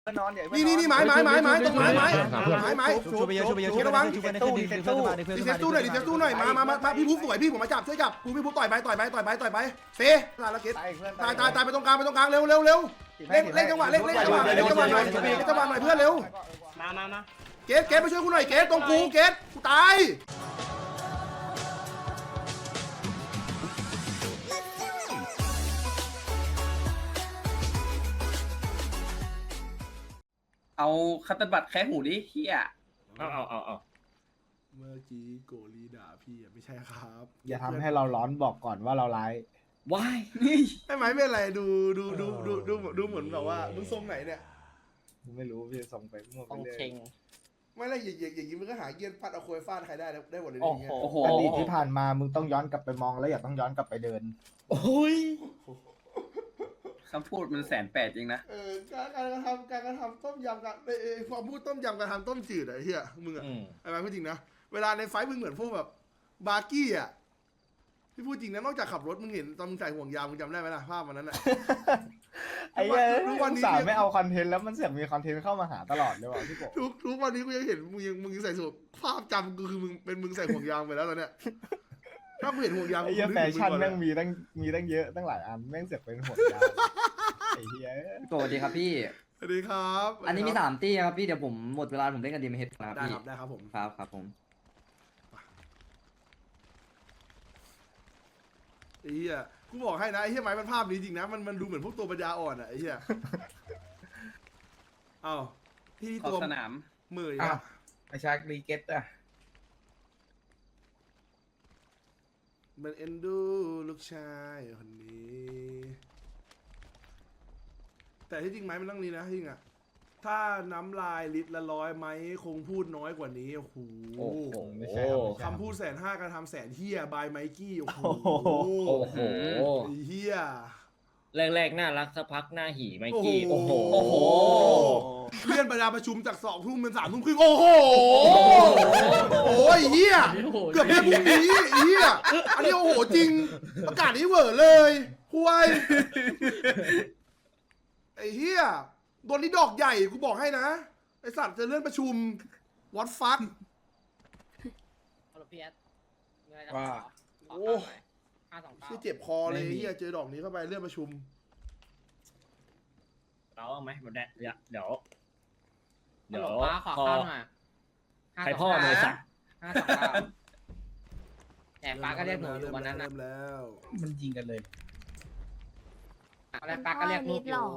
นี่ไม้ตรงไม้ตรงไม้ชูไปเยอะระวังชูไปตู้ดิเซตตู้ดีเซตตู้หน่อยมาพี่พุ๊บสวยพี่ผมมาจับช่วยจับพี่พุ๊บต่อยไปเฟตายละเกตตายไปตรงกลางเร็วเล่นจังหวะหน่อยเพื่อนเร็วมาเกตไปช่วยกูหน่อยเกตตรงกูเกตกูตายเอาคัตเตอร์บัตรแค่หูดิเฮียเอาเมื่อกี้โกลีด่าพี่ไม่ใช่ครับอย่าทำให้เราร้อนบอกก่อนว่าเราร้ายวายนี่ไม่ไหมไม่อะไรดูเหมือนแบบว่ามึงทรงไหนเนี่ยไม่รู้พี่ส่งไปมั่วไปเรื่อยไม่ไรอย่างนี้มึงก็หาเกียร์ฟาดเอาโคยฟาดใครได้หมดเลยโอ้อย่างเงี้ยโหอดีตที่ผ่านมามึงต้องย้อนกลับไปมองแล้วอย่าต้องย้อนกลับไปเดินโอ้ยคำพูดมัน180จริงนะการกระทำต้มยำกันความพูดต้มยำการทำต้มจืดไอ้เหี้ยมึงอะไอ้แม่พูดจริงนะเวลาในไฟมึงเหมือนพวกแบบบาร์กี้อะพี่พูดจริงนะนอกจากขับรถมึงเห็นตอนมึงใส่ห่วงยางมึงจำได้ไหมล่ะภาพวันนั้นอะไอ้เหี้ยทุกวันนี้สาวไม่เอาคอนเทนต์แล้วมันเสียมีคอนเทนต์เข้ามาหาตลอดเลยว่ะพี่โกทุกวันนี้กูยังเห็นมึงยังใส่สูทภาพจำกูคือมึงใส่ห่วงยางไปแล้วตอนเนี้ยถ้ากูเห็นห่วงยางไอ้เหี้ยแฟชั่นแม่งมีตั้งเยอะตั้งหลายอันแม่งเสียเป็นห่วงยางไอ้เหี้ยสวัสดีครับพี่สวัสดีครับอันนี้มี3 ตี้ครับพี่เดี๋ยวผมหมดเวลาผมเล่นกันดีมเฮดครับพี่ได้ครับผมครับผมไอ้เหี้ยกูบอกให้นะไอ้เหี้ยไม้มันภาพนี้จริงนะมันดูเหมือนพวกตัวปัญญาอ่อนอะไอ้เหี้ยอ้าวที่ตัวสนามมืออ่ะไอชาร์กรีเกตอ่ะมันเอ็นดูลูกชายคนนี้แต่ที่จริงไม้มันต้องนี้นะจริงอะถ้าน้ำลายลิตรละ100ไหมคงพูดน้อยกว่านี้โอ้โหไม่ใช่คำพูด150,000การทำ100,000เฮียบายไมกี้โอ้โหเฮียแรกๆน่ารักสักพักหน้าหีไมกี้โอ้โหเลื่อนเวลาประชุมจาก2 ทุ่มเป็น3 ทุ่มครึ่งโอ้โหโอ้ยเฮียเกือบได้พรุ่งนี้เฮียอันนี้โอ้โหจริงประกาศนี้เวอร์เลยห่วยไอ้เฮียโดนนี้ดอกใหญ่กูบอกให้นะไอสัตว์จะเลื่อนประชุมวัดฟักว่าโอ้ที่เจ็บคอเลยเฮียเจอดอกนี้เข้าไปเลื่อนประชุมเราเอาไหมมันเดี๋ยวป้าขอข้าวหน่อยใครพ่อเลยสักแต่ป้าก็เรียกหนูอยู่วันนั้นนะแล้วมันยิงกันเลยอะไรป้าก็เรียกลูกอยู่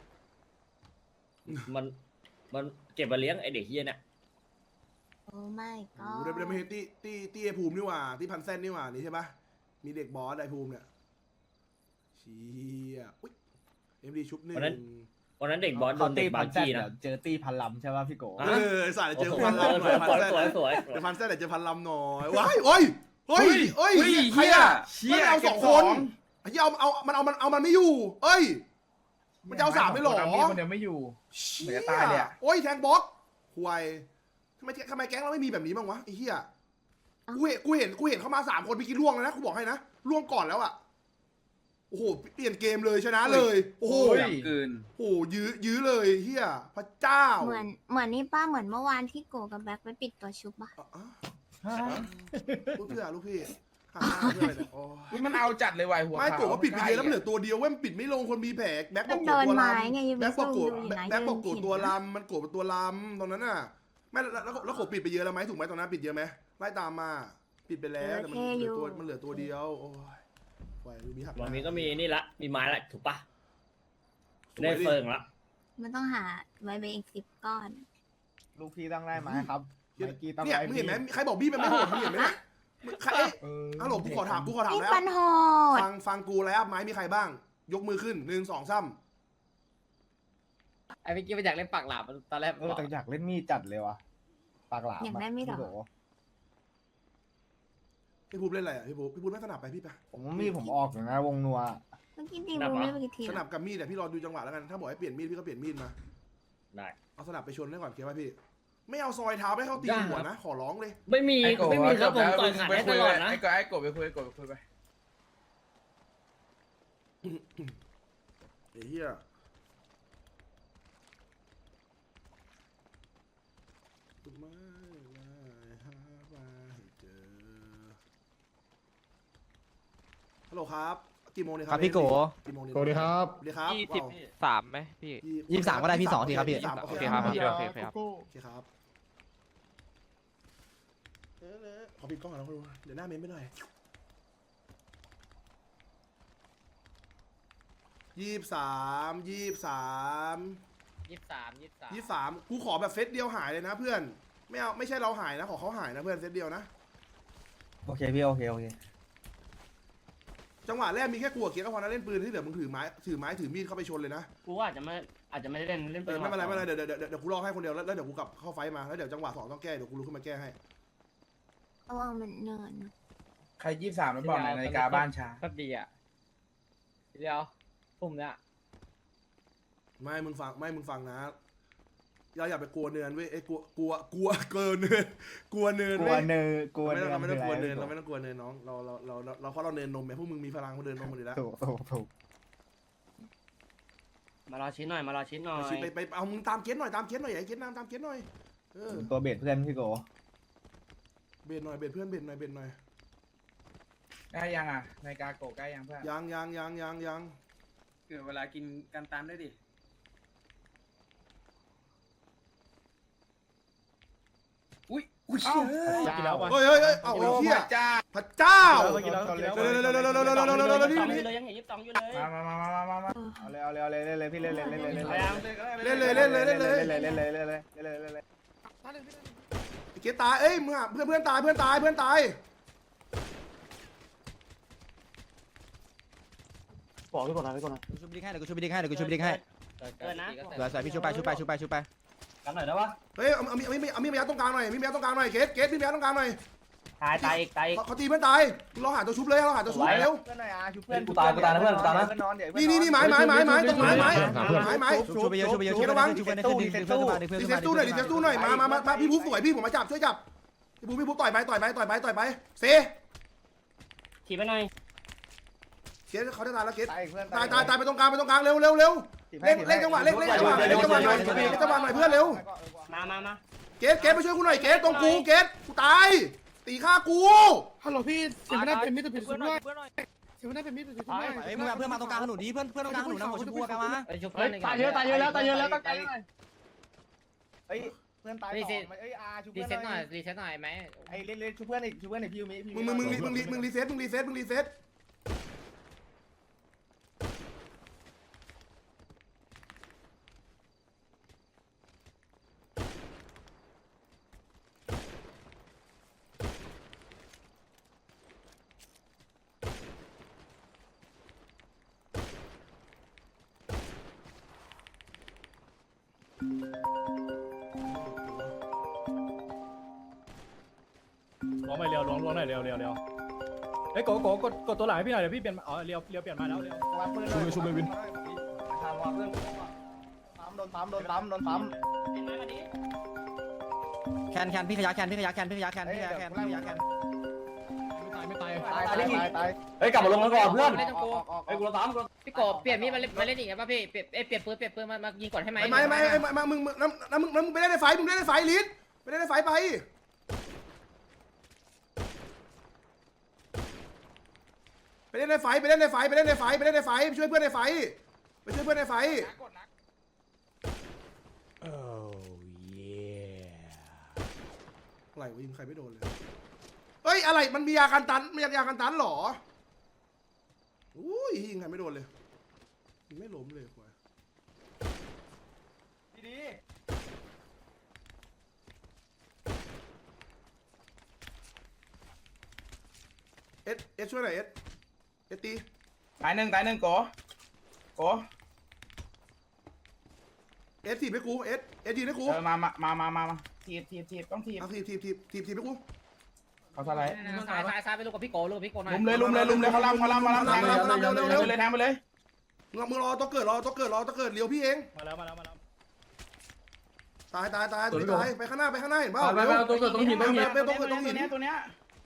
มันเก็บมาเลี้ยงไอเด็กเฮียเนี่ยโอ้ไม่ก็เดี๋ยวไม่เห็นตีไอภูมินี่หว่าที่พันเส้นนี่หว่านี่ใช่ปะมีเด็กบอสไอภูมิเนี่ยเชี่ยอุ้ยMDชุบ1 วันนั้นเด็กบอสโดนเด็กบาจี้นะเจอตีพันลำใช่ป่ะพี่โกสายเจอพันลำหน่อยเดี๋ยวพันเส้นเจอพันลำหน่อยว้ายโอ้ยใครอะมันเอา2 คนไอ้ที่เอามันไม่อยู่เอ้ยมันจะเอา3ไม่หรอมันยังไม่อยู่เหมือนจะตายเลยโอ้ยแทงบล็อกห่วยทำไมแก๊งเราไม่มีแบบนี้บ้างวะไอ้เหี้ยกูเห็นเข้ามา3 คนไปกินล่วงแล้วนะกูบอกให้นะล่วงก่อนแล้วอะโอ้โหเปลี่ยนเกมเลยชนะเลยโอ้โหเกินโอ้ยื้อเลยเหี้ยพระเจ้าเหมือนนี่ป้าเหมือนเมื่อวานที่โกกับแบ็คไปปิดตัวชุบป่ะลูกพี่มันเอาจัดเลยว่ะหัวไม่โกว่าปิดไปเยอะแล้วเหลือตัวเดียวเว้ยปิดไม่ลงคนมีแผลแบ็คบอกโกตัวลำแบ็คบอกโกตัวลำมันโกเป็นตัวลำตรงนั้นน่ะไม่แล้วโกปิดไปเยอะแล้วไหมถูกไหมตรงนั้นปิดเยอะไหมไล่ตามมาปิดไปแล้วแต่มันเหลือตัวเดียวโอ้ยวันนี้ก็มีนี่ละมีไม้ละถูกปะได้เฟิงละมันต้องหาไว้เบอีก10 ก้อนลูกพี่ต้องได้ไหมครับเนี่ยมึงเห็นไหมใครบอกบี้มันไม่โหดมึงเห็นไหมใครฮัลโหลกูขอถามแล้วฟังกูแล้วไม้มีใครบ้างยกมือขึ้น1 2 3 ไอ้เมื่อกี้มันอยากเล่นปากหลาบตอนแรกแต่อยากเล่นมีดจัดเลยวะปากหลาบอยากได้มีดหรอพี่ภูมิเล่นอะไรอ่ะพี่ภูมิไม่สนับไปพี่ไปผมมีดผมออกอย่างนะวงนัวเมื่อกี้ตีบูไม่เมื่อกี้ทีสนับกับมีดแต่พี่รอดูจังหวะแล้วกันถ้าบอกให้เปลี่ยนมีดพี่ก็เปลี่ยนมีดมาได้เอาสนับไปชนได้ก่อนเกียร์ไว้พี่ไม่เอาซอยเท้าไม่เข้าตีหัวนะขอร้องเลยไม่มีครับผมต่อยขาดได้ตลอดนะไอ้กบไปคุยไปไอ้เหี้ยไม่ได้หามาให้เจอฮัลโหลครับกี่โมงเนี่ยคครัรับพี่โกกี่โมงเนี่ยสวัสดีครับสวัสดีครับ 23ไหมพี่ 23ก็ได้พี่2ทีครับพี่โอเคครับโอโอเคครับเคครับขอปิดกล้องก่อนนะคุณเดี๋ยวหน้าเมมไปหน่อย23กูขอแบบเซตเดียวหายเลยนะเพื่อนไม่เอาไม่ใช่เราหายนะขอเขาหายนะเพื่อนเซตเดียวนะโอเคพี่โอเคจังหวะแรกมีแค่กลัวเกียร์ก็พอนะเล่นปืนที่เหลือมึงถือไม้ถือมีดเข้าไปชนเลยนะกูว่าอาจจะไม่ได้เล่นไม่เป็นไรเดี๋ยวกูรอให้คนเดียวแล้วเดี๋ยวกูกลับเข้าไฟมาแล้วเดี๋ยวจังหวะ2ต้องแก้เดี๋ยวกูลุกขึ้นมาแก้ให้ระวังมันเนินนะใคร23แล้วบอกหน่อยนาฬิกาบ้านช้าก็ดีอ่ะเดียวปุ่มเนี้ยไม่มึงฟังนะอย่าไปกลัวเนินเว้ยไอ้กลัวเกินเนินกลัวเนินกลัเว้วย เนอร์กลัวเราไม่ต้องกลัวเนินคือเราอะไรไม่ต้องกลัวเนินน้องเราเพราะเราเนินนมไงพวกมึงมีพลังเขาเดินนมหมดอยู่แล้วถูกมารอชิ้นหน่อยไปเอามึงตามเกณฑ์หน่อยไอ้เกณฑ์นำตามเกณฑ์หน่อยเออตัวเบ็ดเพื่อนพี่โกเบ็ดหน่อยเบ็ดเพื่อนเบ็ดหน่อยใกล้ยังอ่ะนาฬิกาโกใกล้ยังเพื่อนยังเกิดเวลากินกันตามได้ดิ อุ้ยเชี่ยกินแล้วป่ะเฮ้ยเอาไอ้เหี้ยจ้าพระเจ้ากินแล้วเร็ว 22อยู่เลยยังเห็น22อยู่เลยมาเอาเลยพี่เล่นเล่นเลย ไอ้เกตตายเอ้ยมึงเพื่อนตายกูชุบดิ้งให้เดี๋ยวกูชุบดิ้งให้เกินนะเดี๋ยวใส่พี่ชุบไปกันหน่อยได้ปะเฮ้ยเอามีดยัดตรงกลางหน่อยเกตมีดยัดตรงกลางหน่อยตายอีกเขาตีเพื่อนตายเราหาตัวชุบเลยเราหาตัวชุบเร็วเพื่อนหน่อยอ่ะชุบเพื่อนกูตายนะเพื่อนตายนะนี่ไม้ตรงไม้ชุบไปเยอะชุบไปเพื่อนขึ้นดึงเพื่อนขึ้นมาดีเซตตู้หน่อยมาพี่พูฟสวยพี่ผมมาจับช่วยจับพี่พูฟต่อยไปเซขี่ไปหน่อยเกตเขาจะตายแล้วเกตตายเพื่อนตายไปตรงกลางเร็วเล่นจังหวะหน่อยเพื่อนเร็วมาเกตไปช่วยกูหน่อยเกตตรงกูเกตกูตายตีฆ่ากูฮัลโหลพี่เสียงไม่ได้เป็นมิตรผิดสุดด้วยเสียงไม่ได้เป็นมิตรผิดสุดด้วยเฮ้ยมึงเพื่อนมาตรงกลางถนนนี้เพื่อนตรงกลางถนนนะหัวชมพูกันมาไปชุบตายเยอะแล้วตั้งใจเฮ้ยเพื่อนตายเอ้ยอาชุบรีเพื่อนเซ็ตหน่อยไหมไอ้เล่นชุบเพื่อนอีกพี่ยูมิมึงรีเซ็ตล้วงหน่อยเร็วล้วงหน่อยเร็วเฮ้ยโกกดตัวหลังให้พี่หน่อยเดี๋ยวพี่เปลี่ยนอ๋อเร็วเปลี่ยนมาแล้วเร็ววางปืนชุบเลยวินทำวางเพื่อนโดนปั๊มแคนพี่ขยะแคนไม่ตายเฮ้ยกลับมาลงกันก่อนเพื่อนไอ้กูตามกูพี่โกเปลี่ยนมีดมาเล่นอีกป่ะพี่เปลี่ยนปืนมายิงก่อนให้ไหมไม่มึงไปได้ในไฟลิสไปได้ในไฟไปเล่นในไฟไปช่วยเพื่อนในไฟอะไรวะยิงใครไม่โดนเลยเฮ้ยอะไรมันมียากันตันหรออุ้ยยิงใครไม่โดนเลยไม่ล้มเลยควายดีเอสช่วยหน่อยเอสตีตายหนึ่งโกเอสทีบให้กูเอสทีบให้กูมาทีบต้องทีบเอาทีบให้กูเขาสไลด์ซ้ายไปลูกกับพี่โกหน่อยลุมเลยเขาลำแทงไปเลยมึงรอต้องเกิดเลี้ยวพี่เองมาแล้วตายไปข้างหน้าเห็นเปล่าต้องหินตัวเนี้ย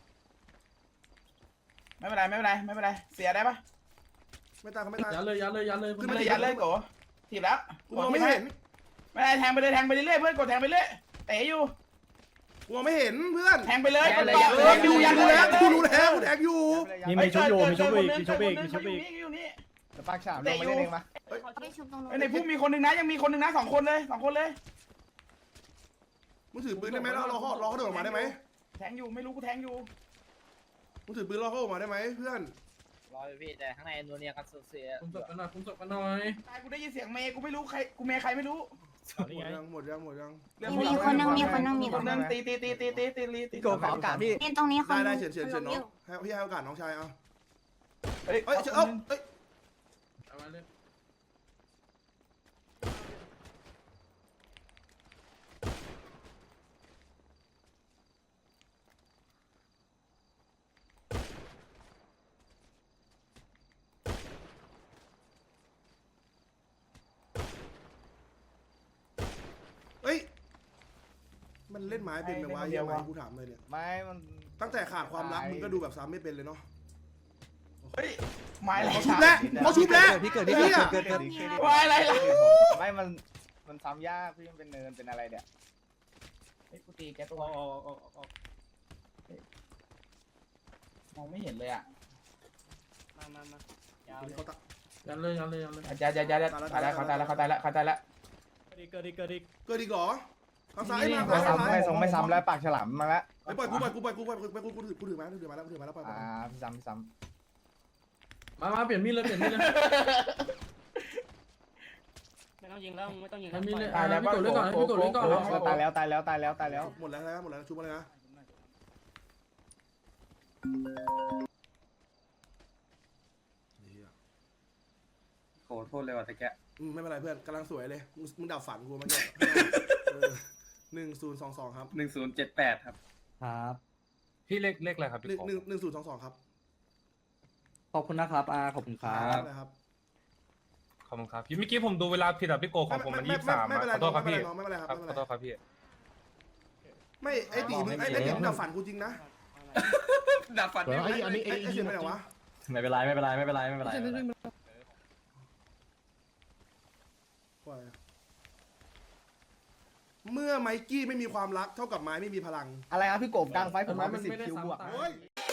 ไม่เป็นไรเสียได้ปะไม่ตายยัดเลยขึ้นไม่มาได้ยัดเลยโกทีบแล้วกูมองไม่เห็นไม่ได้แทงไปเรื่อยเพื่อนกดแทงไปเรื่อยเตะอยู่กูมองไม่เห็นเพื่อนแทงไปเลยอย่าเลยเออดูยังดูแล้วกูรู้แล้วแทงอยู่มีชุบอยู่มีชุบอีกมีชุบอีกมีชุบอีกอยู่นี่แล้วปากฉลามลงมาเล่นเองมาเขาไปชุบตรงนู้นในพุ่มมีคนหนึ่งนะยังมีคนหนึ่งนะ2 คนเลย2 คนเลยมึงถือปืนได้ไหมแล้วรอเขาเดินออกมาได้ไหมแทงอยู่ไม่รู้กูแทงอยู่มึงถือปืนรอเขาออกมาได้ไหมเพื่อนรออยู่พี่แต่ข้างในนัวเนียกันเสียผมจบกันหน่อยผมจบกันหน่อยตายกูได้ยินเสียงเมย์กูไม่รู้ใครกูเมย์ใครไม่รู้นี่ไงหมดยังมีคนนึงมีคนนึงตีโกขอโอกาสพี่เนี่ยตรงนี้คนได้นึงเฉินน้องให้พี่ให้โอกาสน้องชายเอาเฮ้ยเอ้ยเอ้าเอ้ยเอามาเลยเอ้ยมันเล่นไม้เป็นไหมวะเฮียไม้กูถามเลยเนี่ยไม่มันตั้งแต่ขาดความรักมึงก็ดูแบบซ้ำไม่เป็นเลยเนาะเฮ้ยไม้อะไรเขาชุบแล้วเขาชุบแล้วพี่เกิดไอ้พี่เหี้ยเกิดไม้อะไรล่ะไม่มันซ้ำยากพี่มันเป็นเนินเป็นอะไรเนี่ยเฮ้ยกูตีแกตัวออกมองไม่เห็นเลยอ่ะเขาตะยันเลยยันเลยยันเลยอย่าตายแล้วเขาตายแล้วเกิดอีกเกิดอีกเหรอทางซ้ายมาไม่ทางซ้ายไม่ซ้ำแล้วปากฉลามมาแล้วไปปล่อยกูถือมาแล้วปล่อยพี่ซ้ำมาเปลี่ยนมีดเลยเปลี่ยนมีดเลยไม่ต้องยิงแล้วไม่ต้องยิงเปลี่ยนมีดเลยตายแล้วพี่กดเล่นก่อนพี่กดเล่นก่อนตายแล้วหมดแล้วชุบมาเลยนะโหโทษเลยว่ะตะแกะไม่เป็นไรเพื่อนกำลังสวยเลยมึงดับฝันกูมัน1022ครับ 1078ครับครับพี่เลขอะไรครับพี่ขอ 1022ครับขอบคุณนะครับขอบคุณครับครับขอบคุณครับพี่เมื่อกี้ผมดูเวลาผิดอ่ะพี่โกของผมมัน23ขอโทษครับพี่ไม่เป็นไรครับขอโทษครับพี่ไม่ไอ้ตีมึงไอ้ตีมึงดับฝันกูจริงนะดับฟันได้ไหมไอ้เสียไปไหนวะไม่เป็นไรไม่เป็นไรไม่เป็นไรไม่เป็นไรเมื่อไมกี้ไม่มีความรักเท่ากับไม้ไม่มีพลังอะไรครับพี่กบกลางไฟผมมาเป็น10 คิวบวกตายโอ้ย